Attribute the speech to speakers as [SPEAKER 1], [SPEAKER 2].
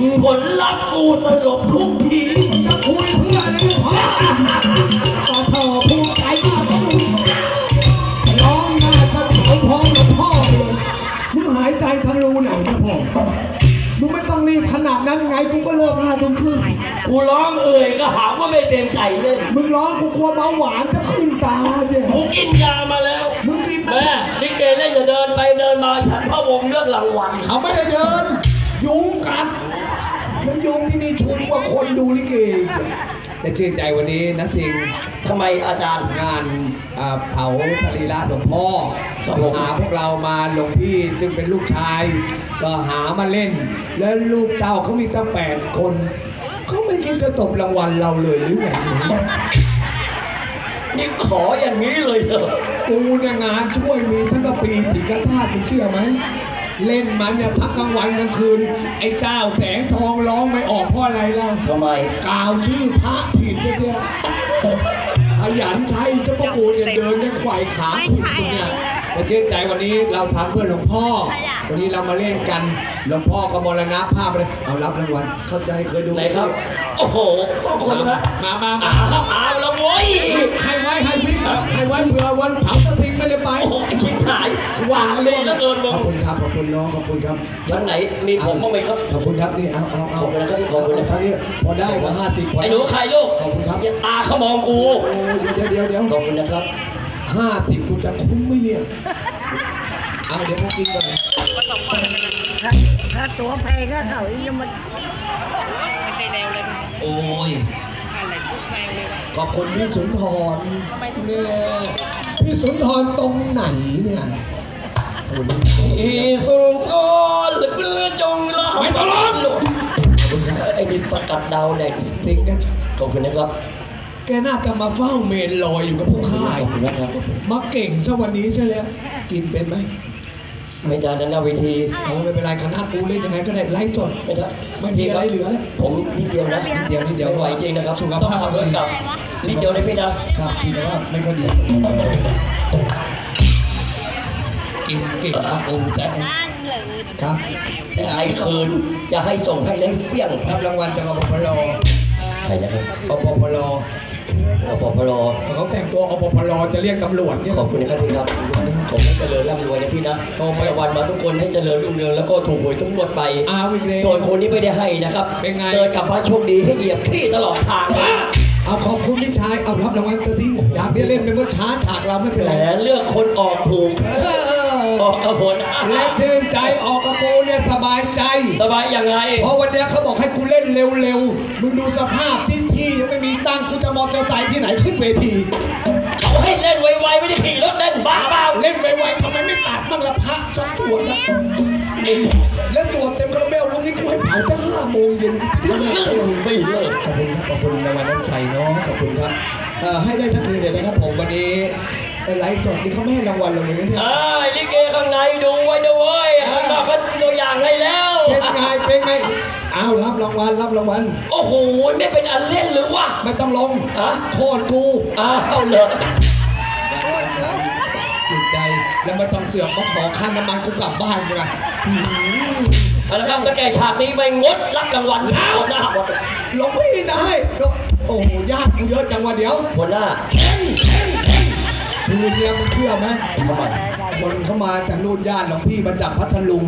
[SPEAKER 1] ผลลัพธ์กูสลบทุกทีจะคุยเพื่ออะไรพ่อต่อเธอภูมิใจมากร้องหน้าจะเผาพร้อมกับพ่อเลยมึงหายใจทางรูไหนนะพ่อมึงไม่ต้องรีบขนาดนั้นไงกูก็เลิก5 ทุ่มครึ่งกูร้องก็หาว่าไม่เต็มใจเล่นมึงร้องกูกลัวเบาหวานจะขึ้นตาเจ้กูกินยามาแล้วมึงกินแม่ลิเกเล่นอย่าเดินไปเดินมาฉันพระวงเลือกรางวัลเขาไม่ได้เดินยุงกัดแล้วยุงที่นี่ชุมกว่าคนดูลิเกแต่ชื่นใจวันนี้นะจริงทำไมอาจารย์งานเผาสรีระหลวงพ่อก็หาพวกเรามาหลวงพี่ซึ่งเป็นลูกชายก็หามาเล่นแล้วลูกเต้าเขามีตั้ง8 คนเขาไม่คิดจะตบรางวัลเราเลยหรือไงนี่ขออย่างนี้เลยเหรอกูเนี่ยงานช่วยมีทั้งกะปีถิกชาติมึงเชื่อไหมเล่นมันเนี่ยทั้งกลางวันกลางคืนไอ้เจ้าแสงทองร้องไม่ออกเพราะอะไรล่ะทำไมกล่าวชื่อพระผิดเนี่ยขยันใช้เจ้าพ่อกูเนี่ยเดินเนี่ยไขว่ขาผิดเนี่ยมาเชื่อใจวันนี้เราทำเพื่อหลวงพ่อวันนี้เรามาเล่นกันหลวงพ่อก็มรณภาพเลยเอารับรางวัลเข้าใจเคยดูไหนครับโอ้โหต้องคนนะมาแล้วโว้ยให้ไว้ให้พิกให้ไว้เผื่อวันเผาตะทิงไม่ได้ไปโอ้โหคิดหายวางเลยแล้วเกินขอบคุณครับขอบคุณน้องขอบคุณครับชั้นไหนมีผมบ้างไหมครับขอบคุณครับนี่เอาขอบคุณนะครับขอบคุณนะครับนี่พอได้กว่า50ไอ้หนูใครลูกขอบคุณครับตาเขามองกูโอ้เดี๋ยวขอบคุณนะครับ50กูจะคุ้มไหมเนี่ยเอาเดี๋ยวพวกกินก่อน
[SPEAKER 2] ถ้าตัวแพงก็เขายังมันไม่ใช่แนวเลย
[SPEAKER 1] โอ้ย
[SPEAKER 2] อะไรทุกแนวเลย
[SPEAKER 1] ขอบคุณพี่สุนทรเนี่ยพี่สุนทรตรงไหนเนี่ยพี่สุนทรเพื่อจงรักไม่ต้องร้องไอ้นี่ประกาศดาวแดงทิ้งกันขอบคุณนะครับแกน่าจะมาเฝ้าเมนลอยอยู่กับพวกข้ามาเก่งซะวันนี้ใช่แล้วกินเป็นไหมไม่ได้แล้วนะเวทีไม่เป็นไรคณะกูเล่นยังไงก็ได้ไล่สดไม่ได้ไม่มีอะไรเหลือแล้วผมนิดเดียวนะนิดเดียวไม่ไหวจริงนะครับสุขภาพด้วยกับนิดเดียวเลยพี่นะครับที่ว่าไม่ค่อยดีกินเก่งครับโอ้แต่ครับไอ้คืนจะให้ส่งให้เล่นเสี่ยงรับรางวัลจากอปพลใครนะครับอปพลเขาแต่งตัวอปพลจะเรียกตำรวจเนี่ยขอบคุณนะครับพี่ครับผมให้เจริญร่ำรวยนะพี่นะให้วันมาทุกคนให้เจริญรุ่งเรืองแล้วก็ถูกหวยทุกงวดไปส่วนคนนี้ไม่ได้ให้นะครับเดินกลับบ้านโชคดีให้เหยียบที่ตลอดทางนะเอาขอบคุณพี่ชายเอารับรางวัลซะทีอยากเล่นเป็นเมื่อช้าฉากเราไม่เป็นไรเลือกคนออกถูกออกกระผลและชื่นใจออกกระโปรงเนี่ยสบายใจสบายยังไงเพราะวันนี้เขาบอกให้กูเล่นเร็วๆมึงดูสภาพที่พี่ยังไม่มีตังค์กูจะมอเตอร์ไซค์ที่ไหนขึ้นเวทีเขาให้เล่นไวๆไม่ได้ขี่รถเล่นบ้าเปล่าเล่นไวๆทำไมไม่ตัดบ้างละพระชอบตรวจนะแล้วตรวจเต็มคาราเบลลูกนี้กูให้เผาตั้ง5 โมงเย็นไม่เลิกขอบคุณครับขอบคุณรางวัลน้ำใจเนาะขอบคุณครับให้ได้ทั้งคืนเลยนะครับผมวันนี้ไลฟ์สดนี่เขาไม่ให้รางวัลเราเลยนะเนี่ยลิเกข้างในดูไว้ด้วยข้างนอกก็ตัวอย่างให้แล้วเป็นไงเอารับรางวัลโอ้โหไม่เป็นอันเล่นหรือวะไม่ต้องลงโคตรกูเอาเลยจิตใจแล้วไม่ต้องเสือกมาขอค่าน้ำมันกูกลับบ้านกูนะแล้วครับก็แกฉากนี้ไปงดรับรางวัลเช้านะครับหลวงพี่จะให้โอ้โหญาติกูเยอะจังวะเดี๋ยวหัวหน้าคืนเนี่ยมึงเชื่อไหมคนเข้ามาจากนู่นญาติหลวงพี่มาจากพัทลุง